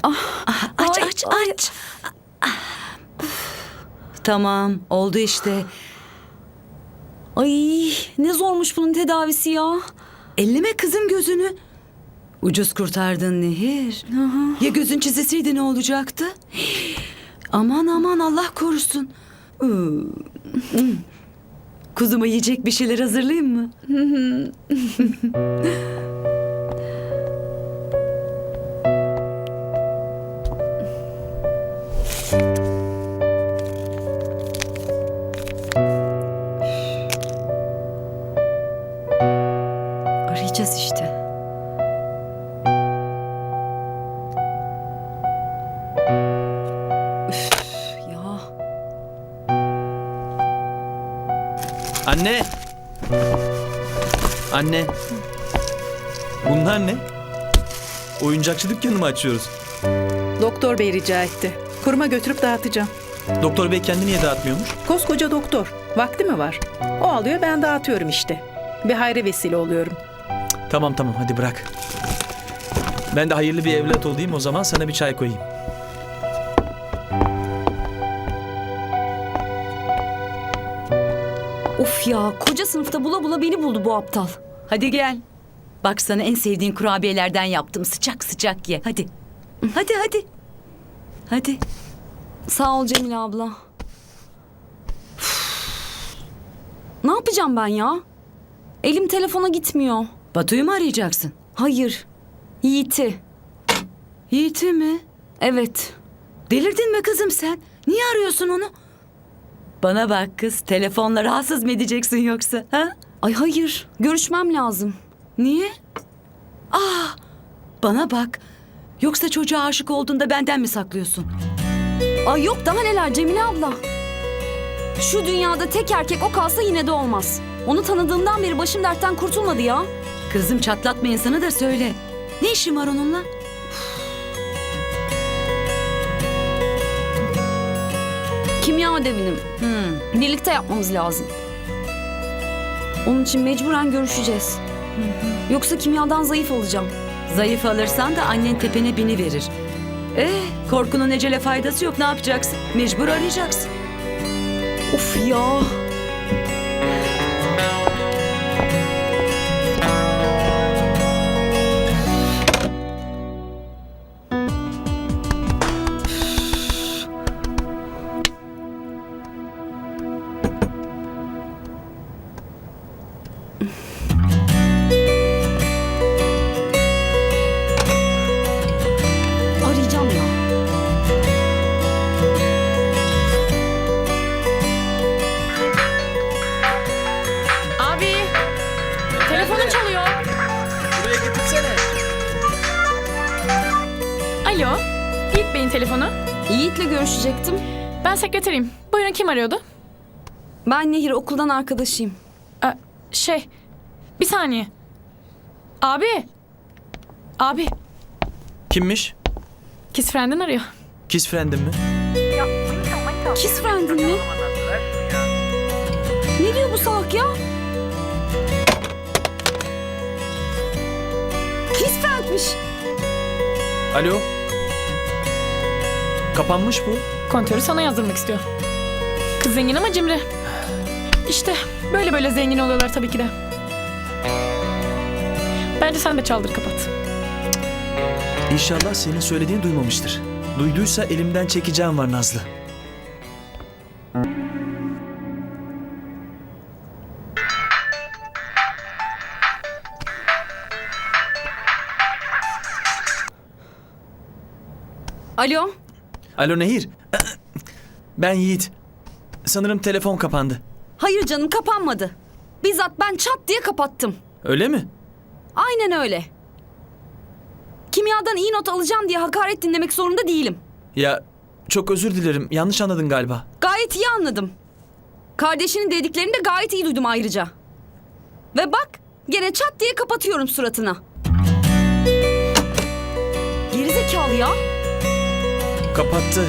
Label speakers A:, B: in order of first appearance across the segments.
A: Aç
B: Ay,
A: aç
B: ay.
A: aç. Tamam oldu işte.
B: Ay ne zormuş bunun tedavisi ya.
A: Elleme kızım gözünü. Ucuz kurtardın Nehir. Ya gözün çizeseydi ne olacaktı? Aman aman Allah korusun. Kuzuma yiyecek bir şeyler hazırlayayım mı? Arayacağız işte. Üf ya.
C: Anne! Anne! Bunlar ne? Oyuncakçı dükkanı mı açıyoruz?
D: Doktor bey rica etti. Kuruma götürüp dağıtacağım.
C: Doktor bey kendi niye dağıtmıyormuş?
D: Koskoca doktor. Vakti mi var? O alıyor, ben dağıtıyorum işte. Bir hayra vesile oluyorum.
C: Tamam hadi bırak. Ben de hayırlı bir evlat olayım, o zaman sana bir çay koyayım.
B: Of ya koca sınıfta bula bula beni buldu bu aptal.
A: Hadi gel. Bak sana en sevdiğin kurabiyelerden yaptım. Sıcak sıcak ye. Hadi. Hadi. Hadi.
B: Sağ ol Cemile abla. Üf. Ne yapacağım ben ya? Elim telefona gitmiyor.
A: Batu'yu mu arayacaksın?
B: Hayır. Yiğit'i.
A: Yiğit'i mi?
B: Evet.
A: Delirdin mi kızım sen? Niye arıyorsun onu? Bana bak kız, telefonla rahatsız mı edeceksin yoksa? Ha?
B: Ay hayır. Görüşmem lazım.
A: Niye? Bana bak. Yoksa çocuğa aşık olduğunda benden mi saklıyorsun?
B: Ay yok daha neler Cemile abla. Şu dünyada tek erkek o kalsa yine de olmaz. Onu tanıdığımdan beri başım dertten kurtulmadı ya.
A: Kızım çatlatma insanı da söyle. Ne işin var onunla?
B: Kimya ödevini birlikte yapmamız lazım. Onun için mecburen görüşeceğiz. Yoksa kimyadan zayıf olacağım.
A: Zayıf alırsan da annen tepene biniverir. Korkunun ecele faydası yok, ne yapacaksın? Mecbur arayacaksın.
B: Of ya. Arayacağım ya.
E: Abi, telefonun çalıyor.
C: Buraya getirsene.
E: Alo, Yiğit Bey'in telefonu.
B: Yiğit'le görüşecektim.
E: Ben sekreteriyim. Buyurun, kim arıyordu?
B: Ben Nehir, okuldan arkadaşıyım.
E: Bir saniye. Abi,
C: Kimmiş?
E: Kiss Friend'in arıyor.
C: Kiss friend'im mi?
B: Kiss friend'in mi? Ne diyor bu salak ya? Kiss friend'miş.
C: Alo? Kapanmış bu.
E: Kontörü sana yazdırmak istiyor. Kız zengin ama cimri. İşte böyle zengin oluyorlar tabii ki de. Bence sen de çaldır kapat.
C: İnşallah senin söylediğini duymamıştır. Duyduysa elimden çekeceğim var Nazlı.
B: Alo.
C: Alo Nehir. Ben Yiğit. Sanırım telefon kapandı.
B: Hayır canım, kapanmadı. Bizzat ben çat diye kapattım.
C: Öyle mi?
B: Aynen öyle. Kimyadan iyi not alacağım diye hakaret dinlemek zorunda değilim.
C: Ya çok özür dilerim. Yanlış anladın galiba.
B: Gayet iyi anladım. Kardeşinin dediklerini de gayet iyi duydum ayrıca. Ve bak gene çat diye kapatıyorum suratına. Gerizekalı ya.
C: Kapattı.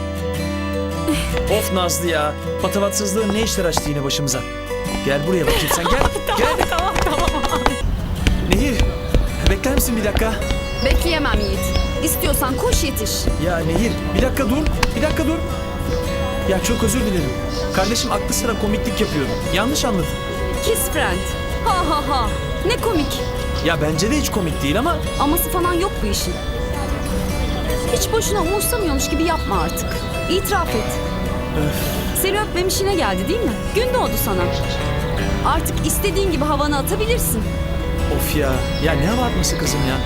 C: Of Nazlı ya. Patavatsızlığın ne işler açtı yine başımıza. Gel buraya bakayım sen gel. Gel.
E: Tamam.
C: Nehir bekler misin bir dakika?
B: Bekleyemem Yiğit. İstiyorsan koş yetiş.
C: Ya Nehir, bir dakika dur. Bir dakika dur. Ya çok özür dilerim. Kardeşim aklı sıra komiklik yapıyor. Yanlış anladın.
B: Kiss friend. Ha ha ha. Ne komik.
C: Ya bence de hiç komik değil ama...
B: Aması falan yok bu işin. Hiç boşuna umursamıyormuş gibi yapma artık. İtiraf et. Seni öpmem işine geldi değil mi? Gün doğdu sana. Artık istediğin gibi havanı atabilirsin.
C: Of ya. Ya ne hava atması kızım ya.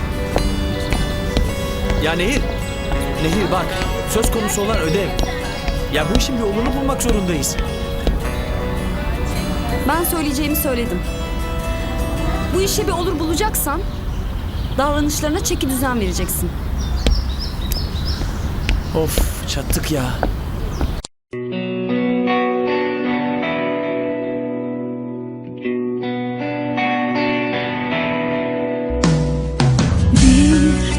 C: Ya Nehir. Nehir bak. Söz konusu olan ödev. Ya bu işin bir yolunu bulmak zorundayız.
B: Ben söyleyeceğimi söyledim. Bu işe bir olur bulacaksan davranışlarına çeki düzen vereceksin.
C: Of çattık ya.